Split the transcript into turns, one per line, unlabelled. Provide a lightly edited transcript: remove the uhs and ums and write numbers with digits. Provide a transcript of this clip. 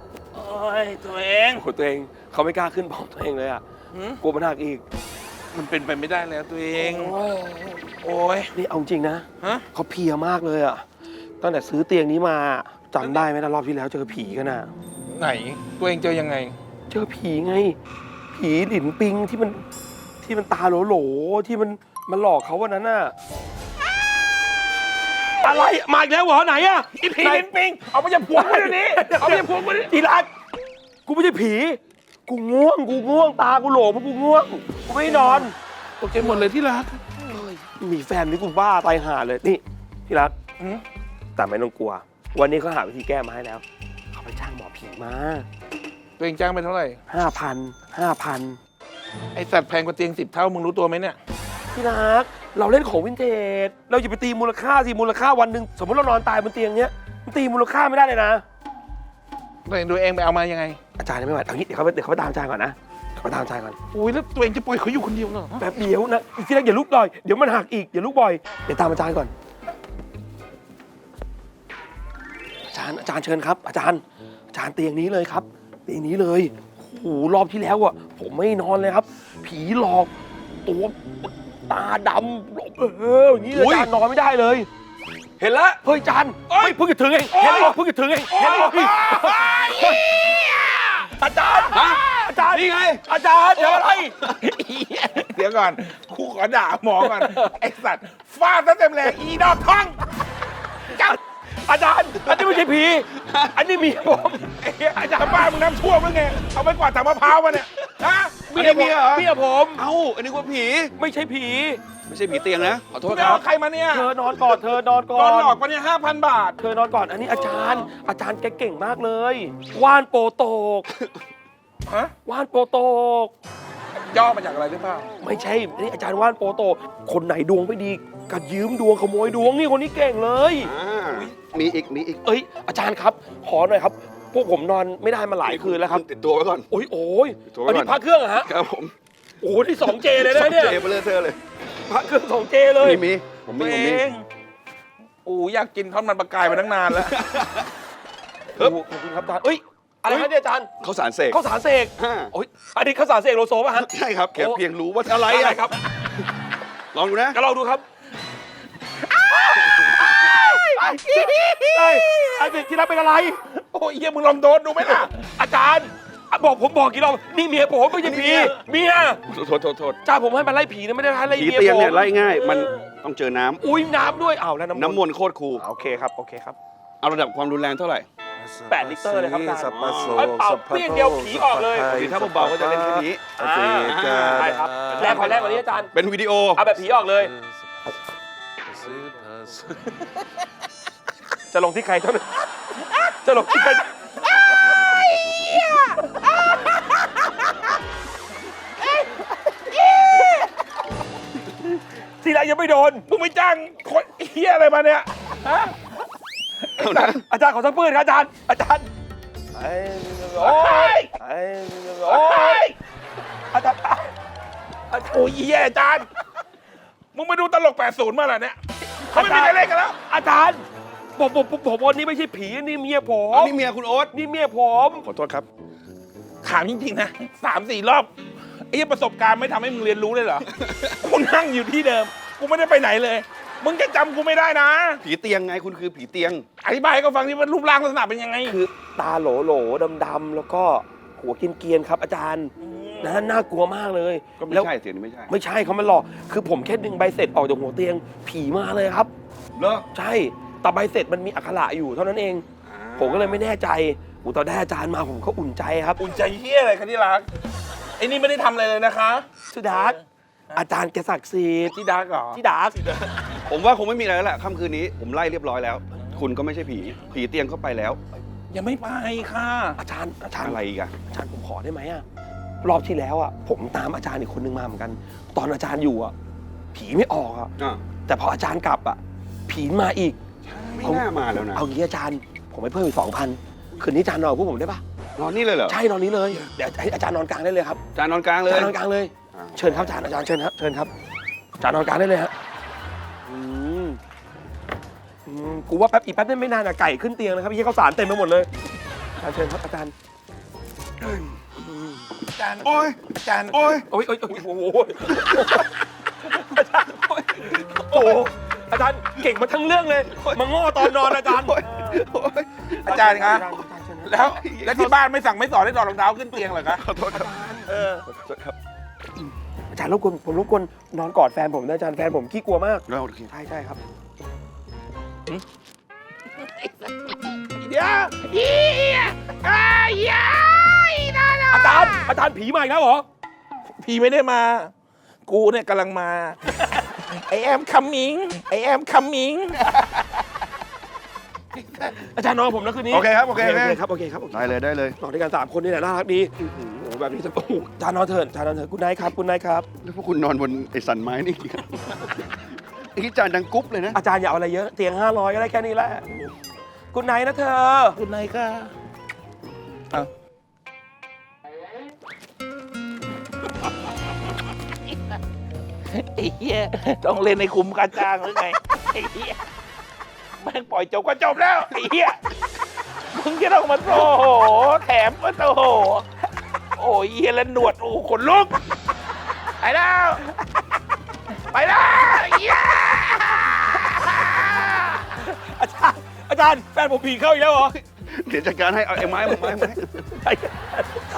โอ้ยตัวเอง
โอ้ตัวเองเขาไม่กล้าขึ้นพร้อมตัวเองเลยอ่ะกลัวมันหักอีก
มันเป็นไปไม่ได้แล้วตัวเอง โอ้ย
นี่เอาจริงนะ
ฮะ
เขาเพลียมากเลยอ่ะตั้งแต่ซื้อเตียงนี้มาจำได้ไหมนะรอบที่แล้วเจอผีกันน่ะ
ไหนตัวเองเจอยังไง
เจอผีไง ผีหลินปิงที่มันตาโหลๆที่มันหลอกเขาวันนั้นน่ะอะไรมาอีกแล้วเหรอไหนอ่ะ
อีผีลิ้นปิงเอาไปจะพวงมาเดี๋ยวนี้เอาไปจะพวงมาดิ
อีรักกูไม่ใช่ผีกูง่วงตากูโหลเพราะกูง่วงกูไม่นอน
ตกใจหมดเลยที่รัก
มีแฟนนี่กูบ้าตายห่าเลยนี่ที่รัก
อืม
แต่ไม่ต้องกลัว วันนี้เขาหาวิธีแก้มาให้แล้วเขาไปจ้างหมอผีมา
ตัวเองจ้างไปเท่าไหร่
5,000
ไอสัตว์แพงกว่าเตียง10 เท่ามึงรู้ตัวไหมเนี่ย
พี่รักเราเล่นของวินเทจเราอย่าไปตีมูลค่าสิมูลค่าวันหนึ่งสมมติเรานอนตายบนเตียงเนี้ยมันตีมูลค่าไม่ได้เลยนะ
ตัวเองไปเอามายังไง
อาจารย์ยังไม่ไหวเอางี้เดี๋ยวเขาไปตามอาจารย์ก่อนนะเขาไปตามอาจารย์ก่อน
อุ้ยแล้วตัวเองจะปล่อยเขาอยู่คนเดียวเหรอ
แป๊บเดียวนะอีกทีแรกอย่าลุกบ่อยเดี๋ยวมันหักอีกอย่าลุกบ่อยเดี๋ยวตามอาจารย์ก่อนอาจารย์เชิญครับ อาจารย์เตียงนี้เลยครับเตียงนี้เลยโอ้โหรอบที่แล้วอ่ะผมไม่นอนเลยครับ ผีหลอกตัวตาดำอย่างนี้เลยอาจารย์นอนไม่ได้เลย เห็นแล้วเฮ้ยอาจารย์เฮ้ยเพิ่งจะถึงเองเห็นแล้วเพิ่งจะถึงเองเห็นแล้วอาจารย์อาจารย์นี่ไงอาจารย์เดี๋ยวอะไร
เดี๋ยวก่อนครูขอด่าหมอก่อนไอสัตว์ฟาดซะเต็มแรงอีดอกท้องจับ
อาจารย์อันนี้ไม่ใช่ผีอันนี้เมียผม
อาจารย์บ้ามึงน้ำท่วมหรือไงเอาไปกวาดถังมะพร้าวมาเนี่ยฮะ
เมียผม
เอ้า อันนี้ว่าผี
ไม่ใช่ผี
ไม่ใช่ผีเตียงนะ ขอโทษ
ไม่
ครั
เอา
บ
ใครมาเนี่ย
เธอนอนก่อนเธอนอนก่
ต
อ
อน
น
หลอกมาเนี่ย5,000 บาท
เธอนอนก่อนอันนี้อาจารย์แกเก่งมากเลยว่านโปโตก
ฮะ
ว่านโปโตก
ย่อมาจากอะไรหรือเปล่า
ไม่ใช่นี่อาจารย์ว่านโปโตกคนไหนดวงไม่ดีก็ยืมดวงขโมยดวงนี่คนนี้เก่งเลย
มีอีก
เอ้ยอาจารย์ครับขอหน่อยครับพวกผมนอนไม่ได้มาหลายคืนแล้วครับ
ติดตัวไว้ก่อน
โอ้ย
ติดตัวไว้ก่อน
อันนี้พระเครื่องเหรอฮะ
ครับผม
โอ้ที่ 2J เลยนะเนี่ย
เจไปเลยเธอเลย
พระเครื่อง 2J เลย
มีผม
ตัว
มี
เองโอ้อยากกินทอดมันปลากายมาตั้งนานแล้ว
โอ้ขอบคุณครับอาจารย์เอ้ยอะไรครับเนี่ยอาจารย์
เขาสารเสก
ข้าวสารเสก
ฮ่า
โอ้ยอันนี้ข้าวสารเสกโลโซป่ะฮะ
ใช่ครับแค่
โอ้
เพียงรู้ว่าอะไร
อะไร
อะ
ครับ
ลองดูนะ
ก็ลองดูครับอาจารย์ที่รับเป็นอะไร
โอ้ยเฮียมึงลองโดนดูไหมล่ะ
อาจารย์ผมบอกกี่รอบนี่เมียผมไม่ใช่ผีเมีย
โทษ
อาจารย์ผมให้มันไล่ผีนะไม่ได้ให้ไล่
ผี
เมีย
เตียง
ผม
เนี่ยไล่ง่าย มันต้องเจอน้ำ
อุ้ยน้ำด้วยอ้าวแล้ว
น้ำมนต์โคตรคูล
โอเคครับ
เอาระดับความรุนแรงเท่าไหร่
8 ลิตรเลยครับอาจารย์
สัพพะโส
เอ้ยเป่าเปรี้ยงเดียวผีออกเลย
คือถ้าเบาๆก็จะเล่นแค่นี้
ได้ครับแรงกว่านี้อาจารย์
เป็นวิดีโอ
เอาแบบผีออกเลย จะลงที่ใครเท่านั้นจะลงที่ใครทีแรกยังไม่โดน
มึงไม่จ้างคนเฮียอะไรมาเนี่ยฮะ
อาจารย์ขอสักปืนครับอาจารย์โอ้ยอาจารย์
โอ้ยเฮียอาจารย์มึงไปดูตลก80มาเหรอเนี่ยเขาไม่มีใครเล่นกันแล้ว
อาจารย์ผมวันนี้ไม่ใช่ผีนี่เมียผม
อันนี้เมียคุณโอ๊ต
นี่เมียผม
ขอโทษครับ
ถามจริงๆนะ3-4 รอบไอ้เหี้ยประสบการณ์ไม่ทำให้มึงเรียนรู้เลยเหรอ กูนั่งอยู่ที่เดิม กูไม่ได้ไปไหนเลย มึงจะจำกูไม่ได้นะ
ผีเตียงไงคุณคือผีเตียง
อธิบายให้เขาฟังที่ว่ารูปร่างลักษณะเป็นยังไง
คือตาโหลดำๆแล้วก็หัวเกรียนๆครับอาจารย์นะน่ากลัวมากเลย
ก็ไม่
แล้ว
ใช่เสียงนี้ไม่ใช่
ไม่ใช่เขามาหลอกคือผมแค่ดึงใบเสร็จออกจากหัวเตียงผีมาเลยครับ
เหรอ
ใช่แต่ใบเสร็จมันมีอักขระอยู่เท่านั้นเอง ผมก็เลยไม่แน่ใจตอนได้อาจารย์มาผมก็อุ่นใจครับ
อุ่นใจเฮียอะไรคะที่รัก ไอ้นี่ไม่ได้ทำอะไรเลยนะคะ
ชื่อดาร์กอาจารย์แกศักดิ์สิทธิ์
ที่ดักเหรอ
ที่ดาร์ก
ผมว่าคงไม่มีอะไรแล้วแหละค่ำคืนนี้ผมไล่เรียบร้อยแล้ว คุณก็ไม่ใช่ผี ผีเตียงเข้าไปแล้ว
ยังไม่ไปค่ะ
อาจารย์
อะไรอีกอะ
อาจารย์ผมขอได้ไหมอะรอบที่แล้วอะผมตามอาจารย์อีกคนนึงมาเหมือนกัน ตอนอาจารย์อยู่อะผีไม่ออกอะ
อ่ะ
แต่พออาจารย์กลับอะผีมาอีก
ไม่น่ามาแล้วนะ
เอางี้อาจารย์ ผมให้เพิ่มอีก2,000คืนนี้อาจารย์นอนกับพวกผมได้ปะ
นอนนี่เลยเหรอ
ใช่นอนนี้เลยเดี๋ยวให้อาจารย์นอนกลางได้เลยครับ
จานนอนกลางเล
อาย จารย์นอนกลางเลย
อ่า
เชิญครับอาจารย์เชิญครับอาจารย์นอนกลางได้เลยฮะกูว่าแป๊บอีกแป๊บนึงไม่นานอะไก่ขึ้นเตียงนะครับพี่ข้าวสารเต็มไปหมดเลยอาจารย์เชิญครับอาจารย์
อาจารย์
โอ้ย
อาจารย์
โอ้ย
โอ้ยโอ้ยโอ้ยโอ้โหอาจารย์โอ้ยโอ้โหอาจารย์เก่งมาทั้งเรื่องเลยมาง้อตอนนอนอาจารย์
โอ้ยโอ้ย
อาจารย์ครับ
อาจารย์เชิญนะ
แล้วที่บ้านไม่สั่งไม่สอนให้ถอดรองเท้าขึ้นเตียงเหรอคะ
ขอโทษครับ
เออ
ขอโทษครับ
อาจารย์รบกวนผมรบกวนนอนกอดแฟนผมนะอาจารย์แฟนผมขี้กลัวมาก
แล้วโอเค
ใช่ใช่ครับ
เดี๋ยวเฮีย
อาจารย์ผีมาอีกแล้วเหรอ
พี่ไม่ได้มา กูเนี่ยกำลังมา I am coming I am coming
อาจารย์นอนกับผมนะคืนนี้
โอเคครับโอเค
โอ
โอ
เค
เค
ครับโอเคครับโอเค
ได้เลยได้เลย
นอนด้วยกัน3 คนนี่แหละน่ารักดีโอ้โหแบบนี้จะโอ้โหอาจารย์นอนเถิดอาจารย์นอนเถิดคุณนายครับคุณนายครับ
แล้วพวกคุณนอนบนไอ้สันไม้นี่กี่ครับไอ้ที่จานดังกรุ๊ปเลยนะ
อาจารย์อย่าเอาอะไรเยอะเตียง500ก็ได้แค่นี้แหละคุณนายนะเธอ
คุณนายค่ะเอาไอ้เหี้ยต้องเล่นในคุมการจ้างหรือไงไอ้เหี้ยแม่งปล่อยจบก็จบแล้วไอ้เหี้ยมึงจะต้องมาโอ้โหแถมมาโอ้โหโอ้ยเหี้ยแล้วหนวดโอ้โหขนลุกไปแล้วไปแล้วเหี้ย
อาจารย์แฟนผมผีเข้าอีกแล้วเหรอ
เดี๋ยวจัดการให้เอาไอ้ไม้มาไม้
อา